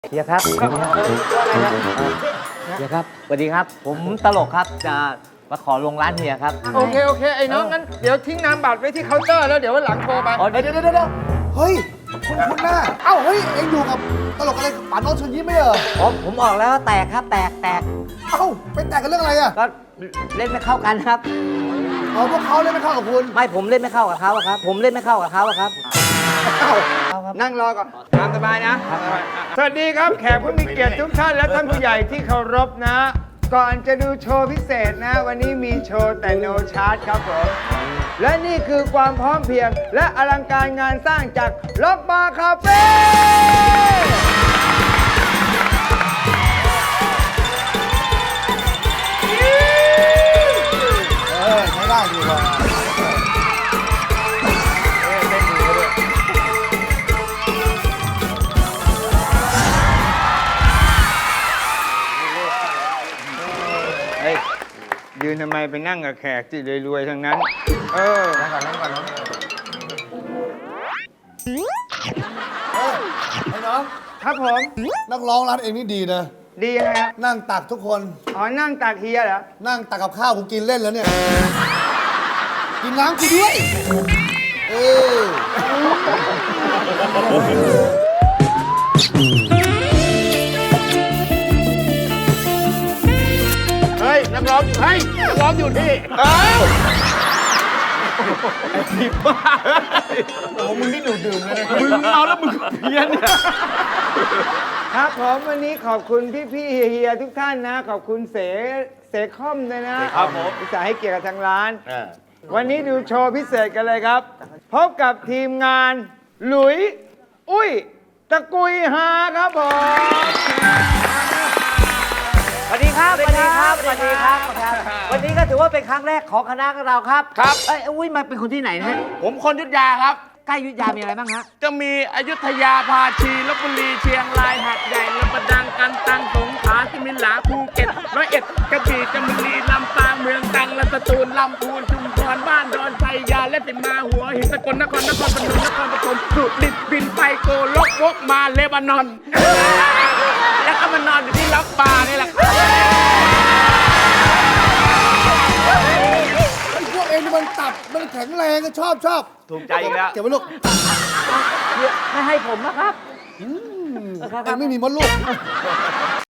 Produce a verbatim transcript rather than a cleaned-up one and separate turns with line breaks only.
เฮียครับเฮียครับสวัสดีครับ ผมตลกครับจะมาขอลงร้านเฮียครับ
โอเค โอเค ไอ้น้องงั้นเดี๋ยวทิ้งนามบัตรไว้ที่เคาน์เตอร์แล้วเดี๋ยววันหลังโทรไป
อ๋อ
เดี๋ยวเดี๋ยวเดี๋ยวเฮ้ย คุณคุณหน้า เอ้า เฮ้ย เอ็งอยู่กับตลกอะไรกับป๋าโน้ตเชิญยิ้มไม่เหรอ
อ๋อผมออกแล้วแตกครับแตกแตก
เอ้า ไปแตกกันเรื่องอะไรอ่ะ
ก็เล่นไม่เข้ากันครับ
อ๋อ พวกเขาเล่นไม่เข้ากับคุณ
ไม่ผมเล่นไม่เข้ากับเขาอะครับ ผมเล่นไม่เข้ากับเขาอะครับ
เอ้า
นั่งรอก่อนตามสบายนะ สวัสดีครับ แขกผู้มีเกียรติทุกท่านและท่านผู้ใหญ่ที่เคารพนะ ก่อนจะดูโชว์พิเศษนะ วันนี้มีโชว์แต่โนชาร์จครับผม และนี่คือความพร้อมเพรียง และอลังการงานสร้างจากล็อกบาร์คาเฟ่
เออ ใช้ได้ดีกว่า
เฮ้ย ยืนทำไมไปนั่งกับแขกที่รวยๆทั้งนั้น เออ
นั่งก่อนนั่งก่อนน้องเออไอ้น้อง
ครับผม
นักร้องร้านเองนี่ดีนะ
ดียังไงครับ
นั่งตักทุกคน
อ๋อ นั่งตากเฮียเหรอ
นั่งตักกับข้าวกูกินเล่นแล้วเนี่ย กินน้ำกูด้วย เออ
เฮ้ย นักร้องเฮ้ย นักร้องอยู่ที่เอ้าไอ้ที่บ้าโอ้มึงนี่ดูดื่มเลยนะมึงเมาแล้วมึงก็เพี้ยนเนี่ย
ครับผมวันนี้ขอบคุณพี่ๆเฮียๆทุกท่านนะ ขอบคุณเสเสคอมด้วยนะครับ
ผม
อุตส่าห์ให้เกียรติกับทางร้าน
อ่า
วันนี้ดูโชว์พิเศษกันเลยครับ พบกับทีมงานหลุย อุ้ย ตะกุยฮาครับผม
สวัสดีครับ สวัสดีครับ สวัสดีครับ วันนี้ก็ถือว่าเป็นครั้งแรกของคณะเราครับ
ครับ
เอ้ยอุ้ยมาเป็นคนที่ไหนนะฮะ
ผมคนยุทธยาครับ
ใกล้อยุธยามีอะไรบ้างฮะ
จะมีอยุธยาพาชีลบบุรีเชียงรายหาดใหญ่ลำปางดังกันตังสงขลาสมิลาภูเก็ตร้อยเอ็ดกระบี่จามบุรีลำปางเมืองตรังและสตูลลำพูนชุมพรบ้านดอนไซยาและสิมาหัวหินสกลนครนครพนมนครปฐมสุรินทร์บินไปโกลกวกมาเลบานอน แล้วก็มานอนอยู่ที่ล็อกบาร์นี่แหละครับ
ไอ้พวกเองนี่มันตับ มันแข็งแรงอะชอบชอบ
ถูกใจอีกแล้ว
เก็บไว้ลูก
ไม่ให้ผมนะครับ
เองไม่มีมดลูก